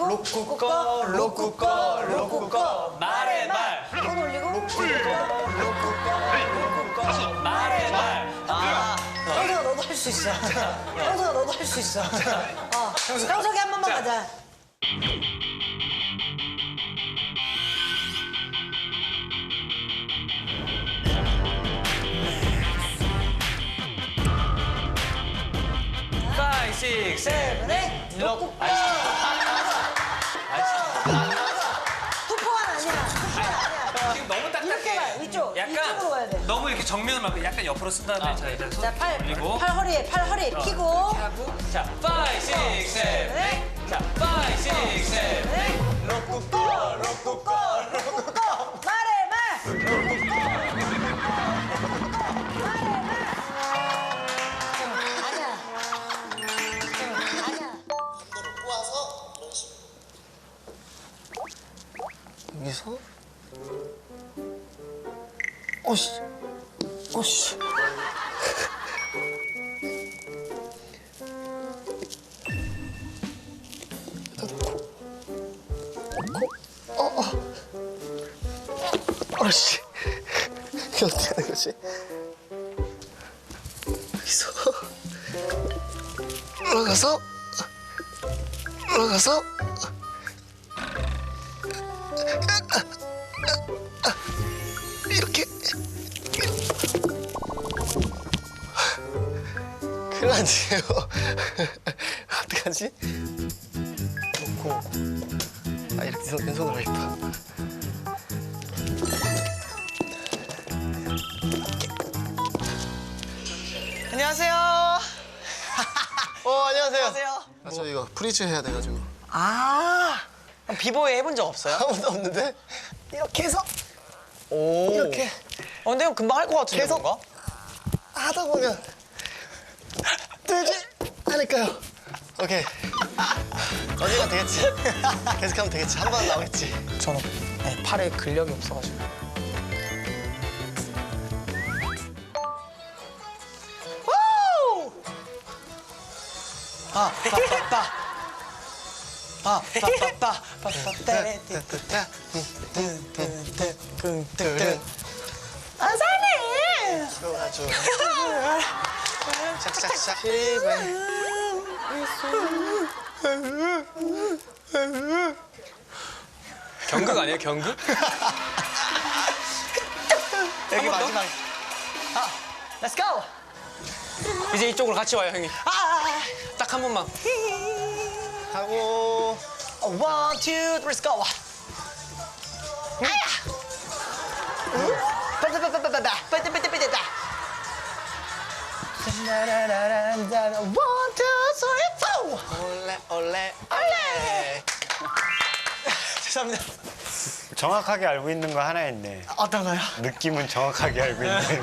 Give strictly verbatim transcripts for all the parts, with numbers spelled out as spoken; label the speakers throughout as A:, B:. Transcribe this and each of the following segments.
A: 로쿠 꺼 로쿠 꺼 로쿠 꺼 말해 말.
B: 손 올리고.
A: 로쿠 꺼 로쿠 꺼 말해 말.
B: 아, 형석아 너도 할 수 있어. 형석아 너도 할 수 있어. 어, 형석이 한 번만 가자.
A: 파이브, 식스, 세븐,
B: 네, 로쿠 꺼. 투포가 아니야. 투포가 아니야.
A: 지금 너무 딱딱해.
B: 이렇게 가, 이쪽. 이쪽으로 가야 돼.
A: 너무 이렇게 정면을 막 약간 옆으로 쓴 다음에 자 이제 손
B: 자, 팔,
A: 올리고
B: 팔 허리에, 팔 허리에 피고.
A: 하고 자 파이브, 식스, 세븐, 자 파이브, 식스, 세븐.
B: 로쿠 꺼, 로쿠 꺼, 로쿠 꺼. 말해, 말. 로쿠 꺼. 아니야. 아니야.
C: 반대로 꼬아서 이런 식으로.
D: 여기서 어씨 어씨 코, 어, 어. 어씨 이게 어떻게 하는 거지? 여기서 올라가서 올라가서 이렇게 큰일 났네요. 어떡하지? 놓고 아 이렇게 손, 왼손으로 하겠다.
E: 안녕하세요.
D: 어 안녕하세요.
E: 안녕하세요.
D: 아, 저 이거 프리즈 해야 돼가지고
E: 아, 비보이 해본 적 없어요?
D: 아무도 없는데 이렇게 해서
E: 오.
D: 이렇게
E: 어, 근데 형 금방 할 것 같은데
D: 계속?
E: 뭔가?
D: 하다 보면 되지 않을까요? 오케이. 언젠가 되겠지. 계속하면 되겠지. 한 번 나오겠지.
E: 저는 네, 팔에 근력이 없어가지고. 우! 아, 빠빠빠. 아, 빠빠빠. 빠빠떼. 뜬뜬뜬뜬뜬뜬. 아사네.
D: 아주 착착착
A: 경극 아니에요 경극?
E: 여기 마지막. 아, let's go.
A: 이제 이쪽으로 같이 와요 형님.
E: 아,
A: 딱 한 번만.
D: 하고
E: one, two, three, let's go. 아야. 빠빠빠빠빠빠. 빠빠빠빠빠빠. one, two, three, four.
D: 올레 올레
E: 올레. 죄송합니다.
F: 정확하게 알고 있는 거 하나 있네.
E: 어떤 거요?
F: 느낌은 정확하게 알고 있네.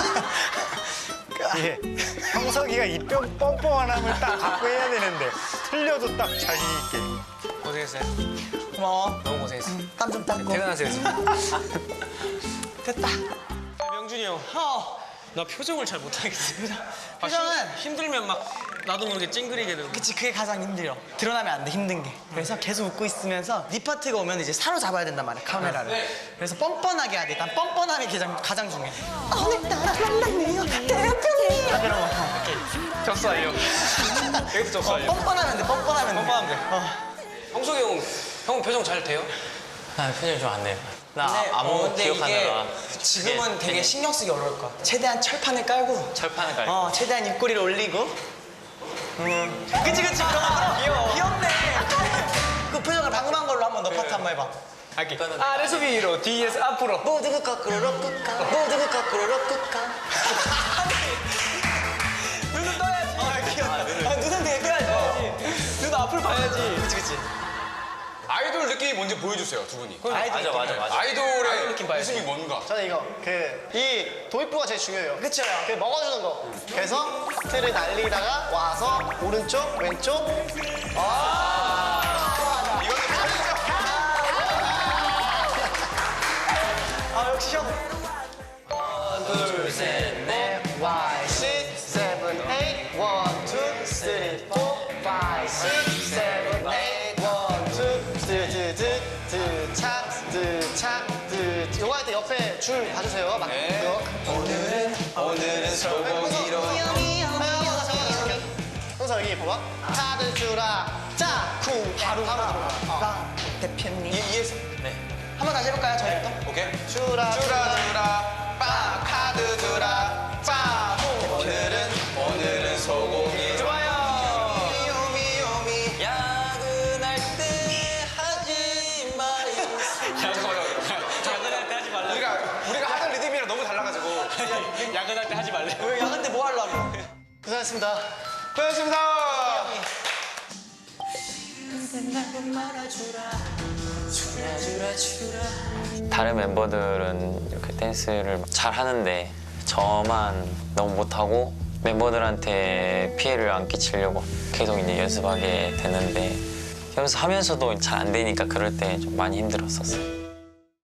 F: 예, 형석이가 이 뿅 뻔뻔함을 딱 갖고 해야 되는데 틀려도 딱 자신 있게.
A: 고생했어요.
E: 고마워.
A: 너무 고생했어.
E: 땀 좀 닦고.
A: 퇴근하세요 이제.
E: 됐다.
A: 명준이 형.
E: 어.
A: 나 표정을 잘 못하겠어. 아,
E: 표정은-
A: 힘, 힘들면 막 나도 모르게 찡그리게 되고.
E: 그치, 그게 가장 힘들어. 드러나면 안 돼, 힘든 게. 그래서 계속 웃고 있으면서 네 파트가 오면 이제 사로잡아야 된단 말이야, 카메라를. 그래서 뻔뻔하게 해야 돼. 일단 뻔뻔함이 가장, 가장 중요해. 오늘따라 만났네요, 대표님. 이런 거. 어, 이렇게.
A: 접수 완료. 여기도 접수
E: 어,
A: 완료.
E: 뻔뻔하면 돼, 뻔뻔하면 돼.
A: 뻔뻔하면 돼.
E: 어.
A: 형석이 형, 형 표정 잘 돼요?
G: 나 표정이 좀 안 돼요. 나
E: 근데,
G: 아무
E: 어, 근데
G: 기억하느라
E: 이게 지금은
G: 이게
E: 되게 신경 쓰기 어려울 거야. 최대한 철판을 깔고
G: 철판을 깔고
E: 어, 최대한 입꼬리를 올리고. 음. 그치, 그치. 그런 거 귀여워. 귀엽네. 그 표정을 방금 한 걸로 한 번 더 파트 한 번 해봐.
A: 할게. 아래서 위로, 뒤에서 앞으로.
E: 모두가 거꾸로 꾹까. 모두가 거꾸로 꾹까. 눈은 떠야지. 아, 귀엽다. 아, 눈은 되게 떠야지. 눈 앞을 봐야지. 그치, 그치.
H: 아이돌 느낌이 뭔지 보여주세요, 두 분이.
G: 맞아 맞아 맞아.
H: 아이돌의
A: 아이돌 느낌 봐야지.
H: 모습이 뭔가.
D: 저는 이거 그 이 도입부가 제일 중요해요.
E: 그쵸.
D: 그 먹어주는 거. 그래서 틀을 날리다가 와서 오른쪽 왼쪽.
E: 아, 역시 형.
D: 둘, 셋, 넷, Y, six, seven, eight, one, two, three, four, five, six, seven, eight, one, two, 옆에 줄 봐주세요. 막
H: 네.
D: 이거.
H: 오늘은 오늘은 소고기로.
D: 형사 여기 봐봐. 카드 주라. 짜. 쿵. 바로 바로 들어가.
E: 랑 대표님.
H: 이, 이해했어?
E: 한번 다시 해볼까요, 저희부터?
H: 오케이.
D: 주라.
H: 주라 주라 빵 카드 주라 빵 오늘은 오늘은 소고기 좋아요. 미오미오미.
A: 야근할 때 하지 마요.
H: 잠깐만요.
A: 야근할 때 하지 말래.
H: 우리가 우리가 하던 리듬이랑 너무 달라가지고.
A: 야근할 때 하지 말래.
E: 왜 야근때 뭐 하려고?
D: 고생하셨습니다.
H: 고맙습니다.
G: 다른 멤버들은 이렇게 댄스를 잘 하는데 저만 너무 못하고 멤버들한테 피해를 안 끼치려고 계속 이제 연습하게 되는데 연습하면서도 잘 안 되니까 그럴 때 좀 많이 힘들었었어요.